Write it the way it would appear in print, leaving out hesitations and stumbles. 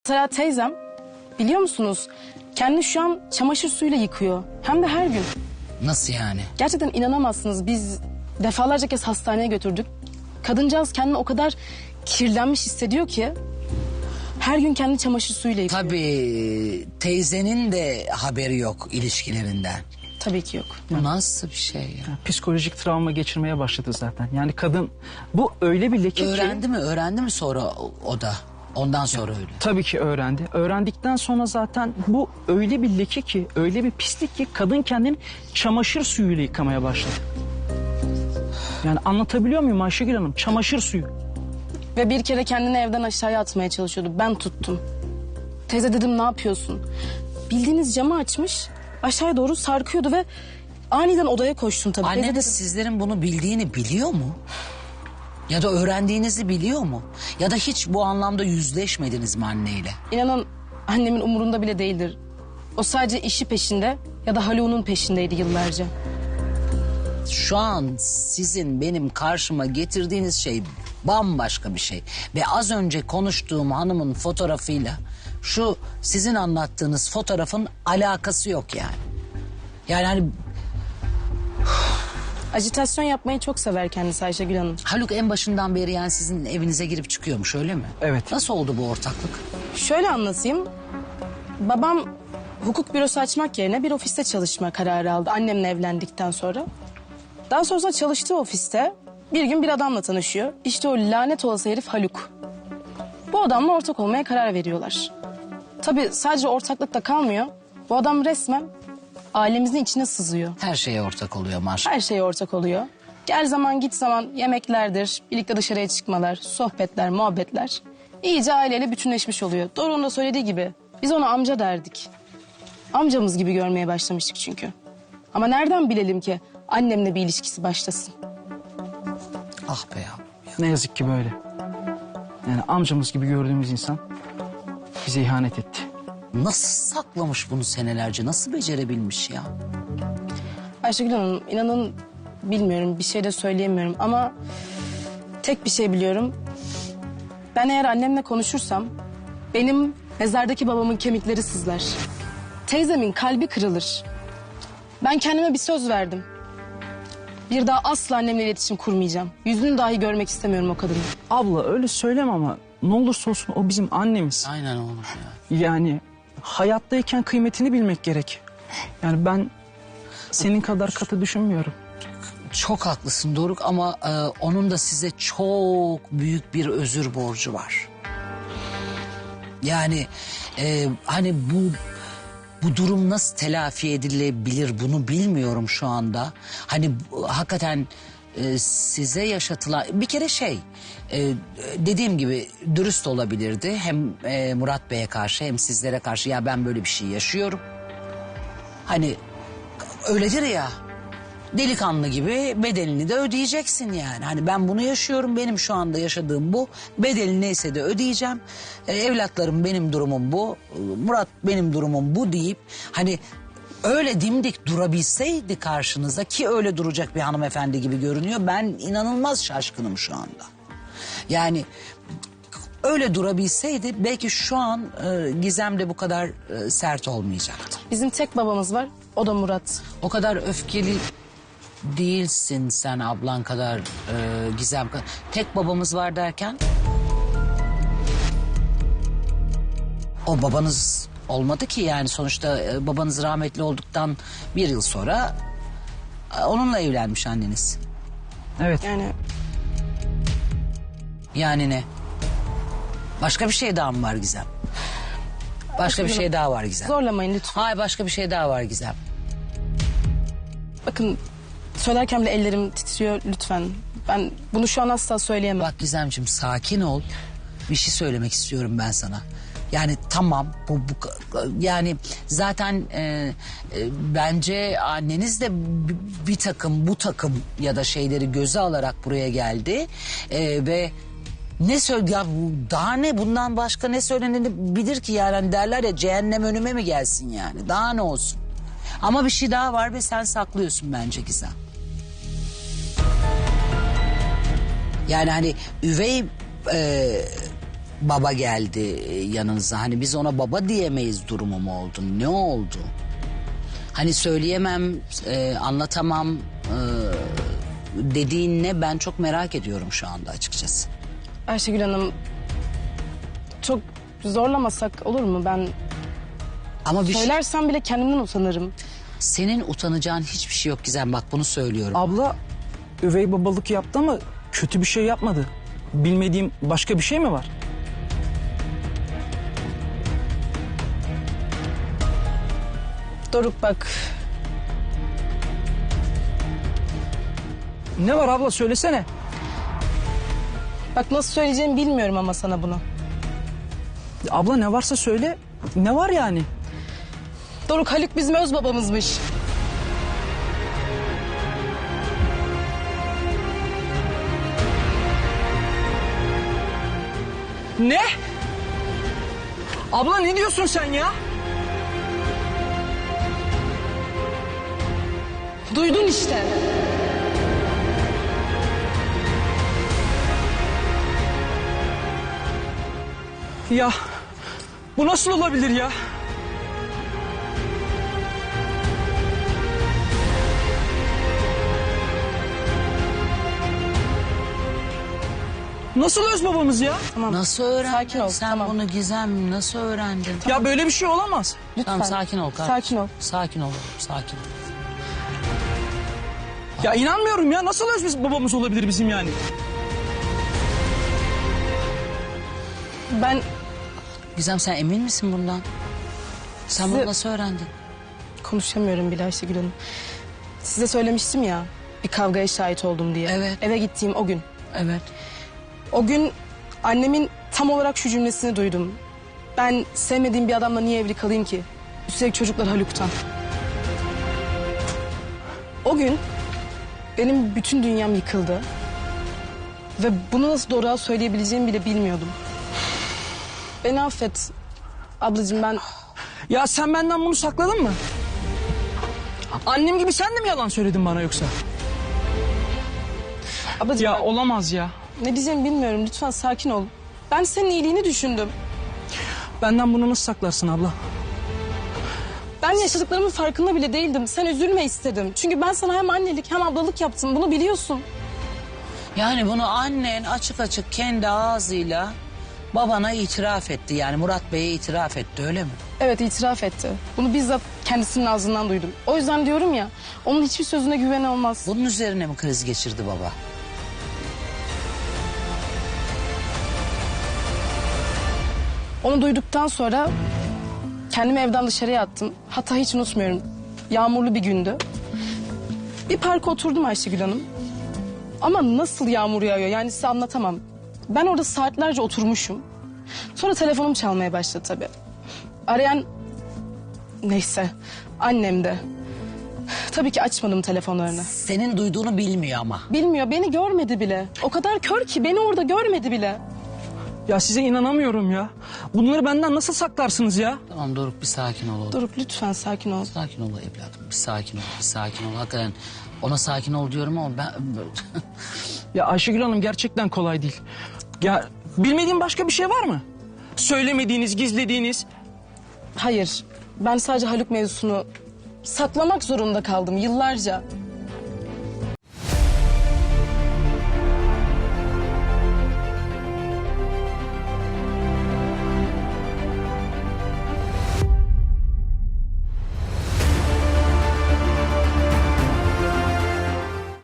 Mesela teyzem, biliyor musunuz, kendini şu an çamaşır suyuyla yıkıyor. Hem de her gün. Nasıl yani? Gerçekten inanamazsınız. Biz defalarca kez hastaneye götürdük. Kadıncağız kendini o kadar kirlenmiş hissediyor ki her gün kendini çamaşır suyuyla yıkıyor. Tabii teyzenin de haberi yok ilişkilerinden. Tabii ki yok. Bu nasıl bir şey ya? Psikolojik travma geçirmeye başladı zaten. Yani kadın bu öyle bir leke ki... Öğrendi mi sonra o da? Ondan sonra öyle. Tabii ki öğrendi. Öğrendikten sonra zaten bu öyle bir leke ki, öyle bir pislik ki kadın kendini çamaşır suyuyla yıkamaya başladı. Yani anlatabiliyor muyum Ayşegül Hanım? Çamaşır suyu. Ve bir kere kendini evden aşağıya atmaya çalışıyordu. Ben tuttum. Teyze dedim, ne yapıyorsun? Bildiğiniz camı açmış, aşağıya doğru sarkıyordu ve aniden odaya koştum tabii. Teyze Anneniz dedim, sizlerin bunu bildiğini biliyor mu? Ya da öğrendiğinizi biliyor mu? Ya da hiç bu anlamda yüzleşmediniz mi anneyle? İnanın annemin umurunda bile değildir. O sadece işi peşinde ya da Haluk'un peşindeydi yıllarca. Şu an sizin benim karşıma getirdiğiniz şey bambaşka bir şey. Ve az önce konuştuğum hanımın fotoğrafıyla şu sizin anlattığınız fotoğrafın alakası yok yani. Yani hani Ajitasyon yapmayı çok sever kendisi Ayşegül Hanım. Haluk en başından beri yani sizin evinize girip çıkıyormuş, öyle mi? Evet. Nasıl oldu bu ortaklık? Şöyle anlatayım. Babam hukuk bürosu açmak yerine bir ofiste çalışma kararı aldı annemle evlendikten sonra. Daha sonrasında çalıştığı ofiste bir gün bir adamla tanışıyor. İşte o lanet olası herif Haluk. Bu adamla ortak olmaya karar veriyorlar. Tabii sadece ortaklıkta kalmıyor. Bu adam resmen ailemizin içine sızıyor. Her şeye ortak oluyor maşallah. Her şeye ortak oluyor. Gel zaman git zaman yemeklerdir, birlikte dışarıya çıkmalar, sohbetler, muhabbetler. İyice aileyle bütünleşmiş oluyor. Doruk'un da söylediği gibi biz ona amca derdik. Amcamız gibi görmeye başlamıştık çünkü. Ama nereden bilelim ki annemle bir ilişkisi başlasın? Ah be ya. Ne yazık ki böyle. Yani amcamız gibi gördüğümüz insan bize ihanet etti. Nasıl saklamış bunu senelerce? Nasıl becerebilmiş ya? Ayşegül Hanım, inanın bilmiyorum, bir şey de söyleyemiyorum ama tek bir şey biliyorum. Ben eğer annemle konuşursam benim mezardaki babamın kemikleri sızlar. Teyzemin kalbi kırılır. Ben kendime bir söz verdim. Bir daha asla annemle iletişim kurmayacağım. Yüzünü dahi görmek istemiyorum o kadının. Abla öyle söyleme ama ne olursa olsun o bizim annemiz. Aynen oğlum ya. Yani hayattayken kıymetini bilmek gerek. Yani ben senin kadar katı düşünmüyorum. Çok haklısın Doruk ama onun da size çok büyük bir özür borcu var. Yani hani bu durum nasıl telafi edilebilir bunu bilmiyorum şu anda. Hani hakikaten size yaşatılan bir kere dediğim gibi dürüst olabilirdi. Hem Murat Bey'e karşı hem sizlere karşı, ya ben böyle bir şey yaşıyorum. Hani öyledir ya, delikanlı gibi bedelini de ödeyeceksin yani. Hani ben bunu yaşıyorum, benim şu anda yaşadığım bu, bedeli neyse de ödeyeceğim. Evlatlarım benim durumum bu, Murat benim durumum bu deyip hani öyle dimdik durabilseydi karşınızda, ki öyle duracak bir hanımefendi gibi görünüyor. Ben inanılmaz şaşkınım şu anda. Yani öyle durabilseydi belki şu an Gizem de bu kadar sert olmayacaktı. Bizim tek babamız var, o da Murat. O kadar öfkeli değilsin sen ablan kadar, Gizem kadar. Tek babamız var derken? O babanız olmadı ki yani, sonuçta babanız rahmetli olduktan bir yıl sonra onunla evlenmiş anneniz. Evet. Yani ne? Başka bir şey daha mı var Gizem? Başka bir şey daha var Gizem. Zorlamayın lütfen. Hayır, başka bir şey daha var Gizem. Bakın söylerken bile ellerim titriyor lütfen. Ben bunu şu an asla söyleyemem. Bak Gizemciğim, sakin ol. Bir şey söylemek istiyorum ben sana. Yani tamam yani zaten bence anneniz de bir takım bu takım ya da şeyleri göze alarak buraya geldi. Ve ne ya daha ne, bundan başka ne söylenebilir ki yani, hani derler ya, cehennem önüme mi gelsin yani, daha ne olsun. Ama bir şey daha var ve sen saklıyorsun bence Gizem. Yani hani üvey baba geldi yanınıza? Hani biz ona baba diyemeyiz durumu mu oldu? Ne oldu? Hani söyleyemem, anlatamam dediğin ne? Ben çok merak ediyorum şu anda açıkçası. Ayşegül Hanım, çok zorlamasak olur mu? Ben Ama bir söylersem bile kendimden utanırım. senin utanacağın hiçbir şey yok Gizem, bak bunu söylüyorum. Abla üvey babalık yaptı ama kötü bir şey yapmadı. Bilmediğim başka bir şey mi var? Doruk bak, Ne var abla, söylesene. bak nasıl söyleyeceğimi bilmiyorum ama sana bunu. Abla ne varsa söyle. Ne var yani? Doruk, Haluk bizim öz babamızmış. Ne? Abla ne diyorsun sen ya? Duydun işte. Ya bu nasıl olabilir ya? Nasıl öz babamız ya? Tamam. Nasıl öğrendin Sakin ol, sen tamam. bunu Gizem? Nasıl öğrendin? Ya böyle bir şey olamaz. Lütfen. Tamam, sakin ol kardeşim. Sakin ol. Sakin ol, sakin ol. Ya inanmıyorum ya. Nasıl öz babamız olabilir bizim yani? Ben Gizem, sen emin misin bundan? Sen Size- bunu nasıl öğrendin? konuşamıyorum bile Ayşegül Hanım. Size söylemiştim ya, bir kavgaya şahit oldum diye. Evet. Eve gittiğim o gün. Evet. O gün annemin tam olarak şu cümlesini duydum. Ben sevmediğim bir adamla niye evli kalayım ki? Üstelik çocuklar Haluk'tan. O gün benim bütün dünyam yıkıldı. Ve bunu nasıl doğruğa söyleyebileceğimi bile bilmiyordum. Beni affet. Ablacığım, ben Ya sen benden bunu sakladın mı? Annem gibi sen de mi yalan söyledin bana yoksa? ablacığım Ya ben olamaz ya. ne diyeceğimi bilmiyorum. Lütfen sakin ol. Ben senin iyiliğini düşündüm. Benden bunu nasıl saklarsın abla? Ben yaşadıklarımın farkında bile değildim. Sen üzülme istedim. Çünkü ben sana hem annelik hem ablalık yaptım. Bunu biliyorsun. Yani bunu annen açık açık kendi ağzıyla babana itiraf etti. Yani Murat Bey'e itiraf etti, öyle mi? Evet, itiraf etti. Bunu bizzat kendisinin ağzından duydum. O yüzden diyorum ya, onun hiçbir sözüne güven olmaz. Bunun üzerine mi kriz geçirdi baba? Onu duyduktan sonra kendimi evden dışarıya attım. Hatta hiç unutmuyorum. Yağmurlu bir gündü. Bir parka oturdum Ayşegül Hanım. Ama nasıl yağmur yağıyor yani size anlatamam. Ben orada saatlerce oturmuşum. Sonra telefonum çalmaya başladı tabii. Arayan neyse annem de. Tabii ki açmadım telefonlarını. Senin duyduğunu bilmiyor ama. Bilmiyor, beni görmedi bile. O kadar kör ki beni orada görmedi bile. Ya size inanamıyorum ya. Bunları benden nasıl saklarsınız ya? Tamam Doruk, bir sakin ol oğlum. Doruk lütfen sakin ol. Sakin ol evladım, bir sakin ol, bir sakin ol. Hakikaten ona sakin ol diyorum ama ben... Ya Ayşegül Hanım gerçekten kolay değil. Ya bilmediğin başka bir şey var mı? Söylemediğiniz, gizlediğiniz. Hayır, ben sadece Haluk mevzusunu saklamak zorunda kaldım yıllarca.